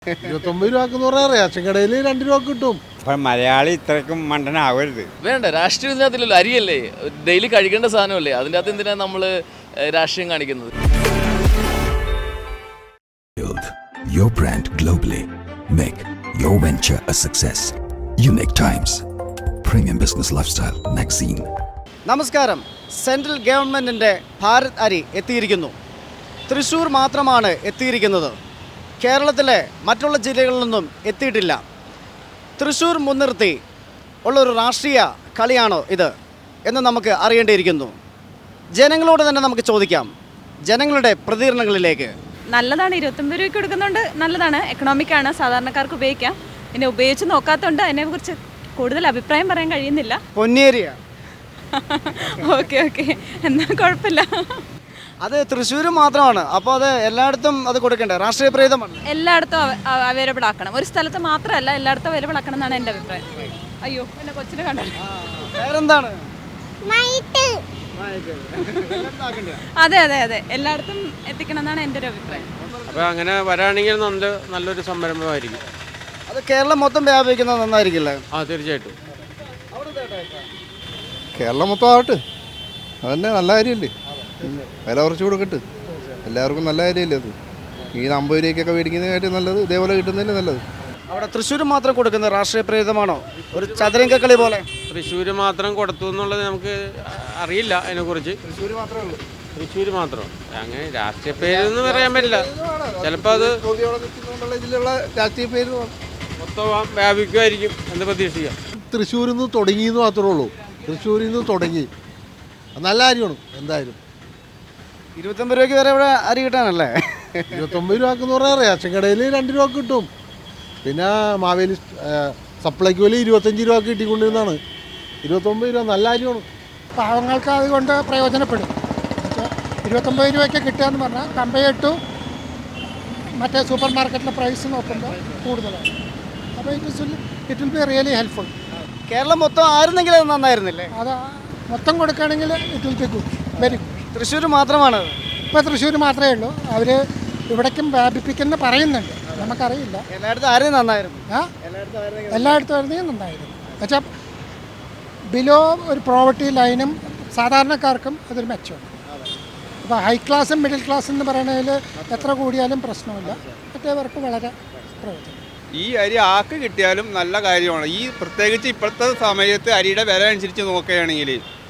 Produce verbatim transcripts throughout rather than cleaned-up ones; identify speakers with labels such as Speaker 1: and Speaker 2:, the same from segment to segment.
Speaker 1: ഇരുപത്തൊമ്പത് രൂപക്കെന്ന് പറഞ്ഞാൽ റേഷൻ കടയിൽ രണ്ട് രൂപ കിട്ടും.
Speaker 2: അപ്പം മലയാളി ഇത്രയ്ക്കും മണ്ടനാവരുത്.
Speaker 3: വേണ്ട, രാഷ്ട്രീയം ഇതിനകത്തില്ലല്ലോ. അരിയല്ലേ, ഡെയിലി കഴിക്കേണ്ട സാധനമല്ലേ, അതിൻ്റെ അകത്ത് എന്തിനാണ് നമ്മൾ രാഷ്ട്രീയം കാണിക്കുന്നത്?
Speaker 4: Build your brand globally. Make your venture a success. Unique Times, Premium Business Lifestyle Magazine.
Speaker 5: നമസ്കാരം. സെൻട്രൽ ഗവൺമെൻറ്റിൻ്റെ ഭാരത് അരി എത്തിയിരിക്കുന്നു. തൃശ്ശൂർ മാത്രമാണ് എത്തിയിരിക്കുന്നത്. കേരളത്തിലെ മറ്റുള്ള ജില്ലകളിലൊന്നും എത്തിയിട്ടില്ല. തൃശ്ശൂർ മുൻനിർത്തി ഉള്ളൊരു രാഷ്ട്രീയ കളിയാണോ ഇത് എന്ന് നമുക്ക് അറിയേണ്ടിയിരിക്കുന്നു. ജനങ്ങളോട് തന്നെ നമുക്ക് ചോദിക്കാം, ജനങ്ങളുടെ പ്രതികരണങ്ങളിലേക്ക്.
Speaker 6: നല്ലതാണ്, ഇരുപത്തൊമ്പത് രൂപയ്ക്ക് കൊടുക്കുന്നുണ്ട്, നല്ലതാണ്, എക്കണോമിക്കാണ്, സാധാരണക്കാർക്ക് ഉപയോഗിക്കാം. പിന്നെ ഉപയോഗിച്ച് നോക്കാത്തതുകൊണ്ട് അതിനെക്കുറിച്ച് കൂടുതൽ അഭിപ്രായം പറയാൻ കഴിയുന്നില്ല.
Speaker 5: പൊന്നേരിയ
Speaker 6: ഓക്കെ ഓക്കെ എന്നാൽ കുഴപ്പമില്ല.
Speaker 5: അത് തൃശ്ശൂർ മാത്രമാണ്, അപ്പോൾ അത് എല്ലായിടത്തും അത് കൊടുക്കണ്ടേ? രാഷ്ട്രീയ പ്രേതമാണ്.
Speaker 6: എല്ലായിടത്തും അവൈലബിൾ ആക്കണം, ഒരു സ്ഥലത്ത് മാത്രമല്ല എല്ലായിടത്തും അവൈലബിൾ ആക്കണം എന്നാണ് എൻ്റെ അഭിപ്രായം. അയ്യോ എന്നെ കൊച്ചിനെ കണ്ടല്ലോ.
Speaker 5: വേറെന്താണ്?
Speaker 6: അതെ അതെ അതെ എല്ലായിടത്തും എത്തിക്കണം എന്നാണ് എൻ്റെ ഒരു അഭിപ്രായം.
Speaker 7: അപ്പോൾ അങ്ങനെ വരാണെങ്കിൽ നല്ല നല്ലൊരു സംരംഭമായിരിക്കും.
Speaker 5: അത് കേരളം മൊത്തം വ്യാപിക്കുന്നത് നന്നായിരിക്കില്ലേ?
Speaker 7: ആ തീർച്ചയായിട്ടും.
Speaker 1: കേരളം മൊത്തം ആവട്ടെ, അതന്നെ നല്ല കാര്യമല്ലേ. വില കുറച്ച് കൊടുക്കട്ട്, എല്ലാവർക്കും നല്ല കാര്യമല്ലേ അത്. ഈ അമ്പത് രൂപയ്ക്കൊക്കെ മേടിക്കുന്നതിനായിട്ട് നല്ലത് ഇതേപോലെ കിട്ടുന്നതിന് നല്ലത്.
Speaker 5: അവിടെ തൃശ്ശൂർ മാത്രം കൊടുക്കുന്ന രാഷ്ട്രീയ പ്രേതമാണോ? ഒരു ചതുരംഗ കളി പോലെ
Speaker 7: തൃശ്ശൂർ മാത്രം കൊടുത്തു എന്നുള്ളത് നമുക്ക് അറിയില്ല അതിനെക്കുറിച്ച്.
Speaker 5: തൃശ്ശൂർ മാത്രമേ ഉള്ളൂ.
Speaker 7: തൃശ്ശൂർ മാത്രം അങ്ങനെ രാഷ്ട്രീയ പേരെന്ന് പറയാൻ പറ്റില്ല. ചിലപ്പോൾ അത്
Speaker 1: ഇതിലുള്ള രാഷ്ട്രീയ പേര്
Speaker 7: മൊത്തം വ്യാപിക്കുമായിരിക്കും എന്ന് പ്രതീക്ഷിക്കാം.
Speaker 1: തൃശ്ശൂരിൽ നിന്ന് തുടങ്ങിയെന്ന് മാത്രമേ ഉള്ളൂ. തൃശ്ശൂരിൽ നിന്ന് തുടങ്ങി നല്ല കാര്യമാണ്. എന്തായാലും
Speaker 5: ഇരുപത്തൊമ്പത് രൂപയ്ക്ക് വരെ ഇവിടെ അരി കിട്ടാനല്ലേ?
Speaker 1: ഇരുപത്തൊമ്പത് രൂപക്കെന്ന് പറഞ്ഞാൽ റേഷൻ കടയിൽ രണ്ട് രൂപ കിട്ടും. പിന്നെ മാവേലി സപ്ലൈക്ക് വില ഇരുപത്തഞ്ച് രൂപ കിട്ടിക്കൊണ്ടിരുന്നതാണ്. ഇരുപത്തൊമ്പത് രൂപ നല്ല കാര്യമാണ്.
Speaker 8: പാവങ്ങൾക്ക് അതുകൊണ്ട് പ്രയോജനപ്പെടും. ഇരുപത്തൊമ്പത് രൂപയ്ക്ക് കിട്ടുക എന്ന് പറഞ്ഞാൽ കമ്പയർ ടു മറ്റേ സൂപ്പർ മാർക്കറ്റിലെ പ്രൈസ് നോക്കുമ്പോൾ കൂടുതലാണ്. അപ്പോൾ it is it will be really helpful.
Speaker 5: Keralam മൊത്തം ആയിരുന്നെങ്കിൽ അത് നന്നായിരുന്നില്ലേ?
Speaker 8: അത് മൊത്തം കൊടുക്കുകയാണെങ്കിൽ it will be good, very good.
Speaker 5: Thrissur മാത്രമാണ്
Speaker 8: ഇപ്പോൾ തൃശ്ശൂർ മാത്രമേ ഉള്ളൂ. അവർ ഇവിടേക്കും വ്യാപിപ്പിക്കുന്ന പറയുന്നുണ്ട്, നമുക്കറിയില്ല.
Speaker 5: എല്ലായിടത്തും ആരും നന്നായിരുന്നു.
Speaker 8: ആ എല്ലായിടത്തും ആയിരുന്നെങ്കിൽ നന്നായിരുന്നു. എന്നുവെച്ചാൽ ബിലോ ഒരു പ്രോവർട്ടി ലൈനും സാധാരണക്കാർക്കും അതൊരു മെച്ചമാണ്. അപ്പോൾ ഹൈ ക്ലാസ്സും മിഡിൽ ക്ലാസ് എന്ന് പറയുന്നതിൽ എത്ര കൂടിയാലും പ്രശ്നമില്ല, മറ്റേവർക്ക് വളരെ പ്രയോജനം.
Speaker 2: ഈ അരി ആക്ക് കിട്ടിയാലും നല്ല കാര്യമാണ്. ഈ പ്രത്യേകിച്ച് ഇപ്പോഴത്തെ സമയത്ത് അരിയുടെ വില അനുസരിച്ച് നോക്കുകയാണെങ്കിൽ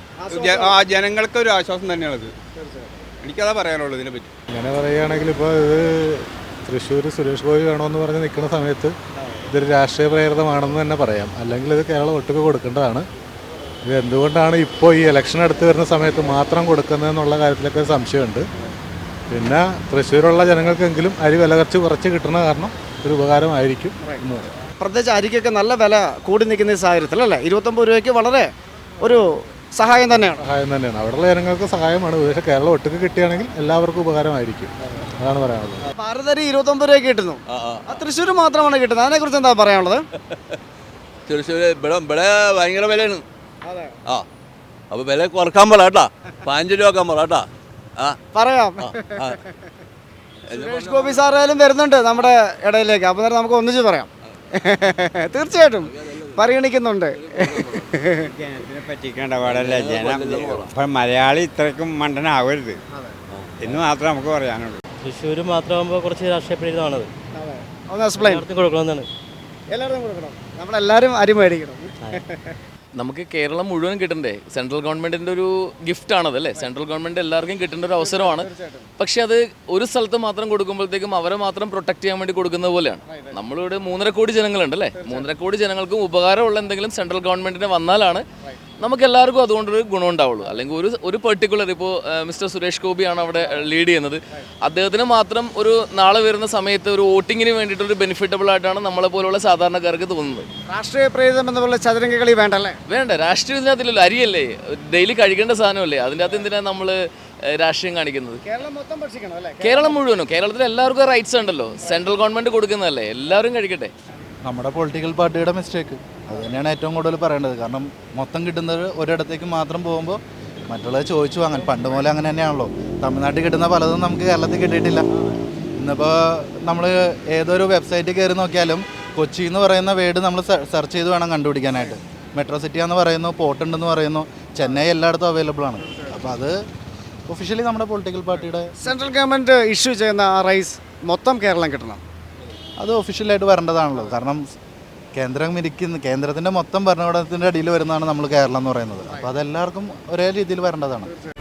Speaker 2: ആ ജനങ്ങൾക്ക് ഒരു ആശ്വാസം തന്നെയാണത്. എനിക്കതാ പറയാനുള്ളൂ ഇതിനെ പറ്റി.
Speaker 9: അങ്ങനെ പറയുകയാണെങ്കിൽ ഇപ്പോൾ ഇത് തൃശ്ശൂർ സുരേഷ് ഗോപി വേണമെന്ന് പറഞ്ഞ് നിൽക്കുന്ന സമയത്ത് ഇതൊരു രാഷ്ട്രീയ പ്രേരിതമാണെന്ന് തന്നെ പറയാം. അല്ലെങ്കിൽ ഇത് കേരളം ഒട്ടുക്ക് കൊടുക്കേണ്ടതാണ്. ഇത് എന്തുകൊണ്ടാണ് ഇപ്പോൾ ഈ ഇലക്ഷൻ അടുത്ത് വരുന്ന സമയത്ത് മാത്രം കൊടുക്കുന്നതെന്നുള്ള കാര്യത്തിലൊക്കെ സംശയമുണ്ട്. പിന്നെ തൃശ്ശൂരുള്ള ജനങ്ങൾക്കെങ്കിലും അരി വില കുറച്ച് കുറച്ച് കിട്ടുന്ന കാരണം ഒരു ഉപകാരമായിരിക്കും എന്ന് പറയാം.
Speaker 5: പ്രത്യേകിച്ച് അരിക്കൊക്കെ നല്ല വില കൂടി നിൽക്കുന്ന ഈ സാഹചര്യത്തിൽ അല്ലേ ഇരുപത്തൊമ്പത് രൂപയ്ക്ക് വളരെ ഒരു സഹായം തന്നെയാണ്.
Speaker 9: സഹായം തന്നെയാണ്, അവിടെയുള്ള ജനങ്ങൾക്ക് സഹായമാണ്. പക്ഷേ കേരളം ഒട്ടുക്ക് കിട്ടുകയാണെങ്കിൽ എല്ലാവർക്കും ഉപകാരമായിരിക്കും, അതാണ് പറയാനുള്ളത്.
Speaker 5: ഭാരത് അരി ഇരുപത്തൊമ്പത് രൂപയ്ക്ക് കിട്ടുന്നു, തൃശ്ശൂർ മാത്രമാണ് കിട്ടുന്നത്. അതിനെക്കുറിച്ച് എന്താ പറയാനുള്ളത്?
Speaker 10: തൃശ്ശൂർ ഇവിടെ ഇവിടെ ഭയങ്കര വിലയാണ്. ആ അപ്പോൾ വില കുറക്കാൻ പറ കേട്ടാ, പതിനഞ്ച് രൂപ ആക്കാൻ പറ കേട്ടാ. ആ
Speaker 5: പറയാം. സുരേഷ് ഗോപി സാറായാലും വരുന്നുണ്ട് നമ്മുടെ ഇടയിലേക്ക്, അപ്പോൾ നേരം നമുക്ക് ഒന്നിച്ച് പറയാം. തീർച്ചയായിട്ടും പരിഗണിക്കുന്നുണ്ട്.
Speaker 2: ജനത്തിനെ പറ്റിക്കേണ്ട പാടല്ല ജനം. അപ്പം മലയാളി ഇത്രയ്ക്കും മണ്ടനാവരുത് എന്ന് മാത്രമേ നമുക്ക് പറയാനുള്ളൂ.
Speaker 11: തൃശ്ശൂർ മാത്രമാകുമ്പോൾ കുറച്ച് രാഷ്ട്രീയ പ്രേരിതമാണത്.
Speaker 5: ഒന്ന് എക്സ്പ്ലെയിൻ.
Speaker 11: കൊടുക്കണമെന്നാണ്.
Speaker 5: എല്ലാവരും കൊടുക്കണം, നമ്മളെല്ലാവരും അരി മേടിക്കണം.
Speaker 3: നമുക്ക് കേരളം മുഴുവൻ കിട്ടണ്ടേ? സെൻട്രൽ ഗവൺമെൻറ്റിൻ്റെ ഒരു ഗിഫ്റ്റാണത് അല്ലേ? സെൻട്രൽ ഗവൺമെൻറ് എല്ലാവർക്കും കിട്ടേണ്ട ഒരു അവസരമാണ്. പക്ഷേ അത് ഒരു സ്ഥലത്ത് മാത്രം കൊടുക്കുമ്പോഴത്തേക്കും അവരെ മാത്രം പ്രൊട്ടക്ട് ചെയ്യാൻ വേണ്ടി കൊടുക്കുന്നത് പോലെയാണ്. നമ്മളിവിടെ മൂന്നര കോടി ജനങ്ങളുണ്ടല്ലേ, മൂന്നര കോടി ജനങ്ങൾക്കും ഉപകാരമുള്ള എന്തെങ്കിലും സെൻട്രൽ ഗവൺമെൻറ്റിന് വന്നാലാണ് നമുക്ക് എല്ലാവർക്കും അതുകൊണ്ടൊരു ഗുണം ഉണ്ടാവുള്ളൂ. അല്ലെങ്കിൽ ഒരു ഒരു പെർട്ടിക്കുലർ ഇപ്പോൾ മിസ്റ്റർ സുരേഷ് ഗോപിയാണ് അവിടെ ലീഡ് ചെയ്യുന്നത്, അദ്ദേഹത്തിന് മാത്രം ഒരു നാളെ വരുന്ന സമയത്ത് ഒരു വോട്ടിങ്ങിന് വേണ്ടിയിട്ടൊരു ബെനിഫിറ്റബിൾ ആയിട്ടാണ് നമ്മളെ പോലുള്ള സാധാരണക്കാർക്ക് തോന്നുന്നത്.
Speaker 5: രാഷ്ട്രീയ പ്രേരിതം എന്നുള്ള ചതുരംഗ കളി വേണ്ടല്ലേ?
Speaker 3: വേണ്ട, രാഷ്ട്രീയം ഇതിനകത്തില്ലല്ലോ. അരിയല്ലേ, ഡെയിലി കഴിക്കേണ്ട സാധനമല്ലേ, അതിൻ്റെ അകത്ത് എന്തിനാണ് നമ്മൾ രാഷ്ട്രീയം കാണിക്കുന്നത്?
Speaker 5: കേരളം മൊത്തം ഭക്ഷിക്കണം അല്ലേ?
Speaker 3: കേരളം മുഴുവനും, കേരളത്തിൽ എല്ലാവർക്കും റൈറ്റ്സ് ഉണ്ടല്ലോ. സെൻട്രൽ ഗവൺമെൻറ് കൊടുക്കുന്നതല്ലേ, എല്ലാവരും കഴിക്കട്ടെ.
Speaker 9: നമ്മുടെ പൊളിറ്റിക്കൽ പാർട്ടിയുടെ മിസ്റ്റേക്ക് അത് തന്നെയാണ് ഏറ്റവും കൂടുതൽ പറയേണ്ടത്. കാരണം മൊത്തം കിട്ടുന്നത് ഒരിടത്തേക്ക് മാത്രം പോകുമ്പോൾ മറ്റുള്ളത് ചോദിച്ചു വാങ്ങാൻ പണ്ട് പോലെ അങ്ങനെ തന്നെയാണല്ലോ. തമിഴ്നാട്ടിൽ കിട്ടുന്ന പലതും നമുക്ക് കേരളത്തിൽ കിട്ടിയിട്ടില്ല.
Speaker 12: ഇന്നിപ്പോൾ നമ്മൾ ഏതൊരു വെബ്സൈറ്റിൽ കയറി നോക്കിയാലും കൊച്ചി എന്ന് പറയുന്ന വേർഡ് നമ്മൾ സെർച്ച് ചെയ്ത് വേണം കണ്ടുപിടിക്കാനായിട്ട്. മെട്രോ സിറ്റി എന്ന് പറയുന്നു, പോർട്ട് ഉണ്ടെന്ന് പറയുന്നു, ചെന്നൈ എല്ലായിടത്തും അവൈലബിൾ ആണ്. അപ്പോൾ അത് ഒഫീഷ്യലി നമ്മുടെ പൊളിറ്റിക്കൽ പാർട്ടിയുടെ
Speaker 5: സെൻട്രൽ ഗവൺമെൻറ് ഇഷ്യൂ ചെയ്യുന്ന ആ റൈസ് മൊത്തം കേരളം കിട്ടണം.
Speaker 12: അത് ഒഫീഷ്യലായിട്ട് വരേണ്ടതാണല്ലോ. കാരണം കേന്ദ്രം ഇരിക്കുന്ന കേന്ദ്രത്തിൻ്റെ മൊത്തം ഭരണകൂടത്തിൻ്റെ അടിയിൽ വരുന്നതാണ് നമ്മൾ കേരളം എന്ന് പറയുന്നത്. അപ്പോൾ അതെല്ലാവർക്കും ഒരേ രീതിയിൽ വരേണ്ടതാണ്.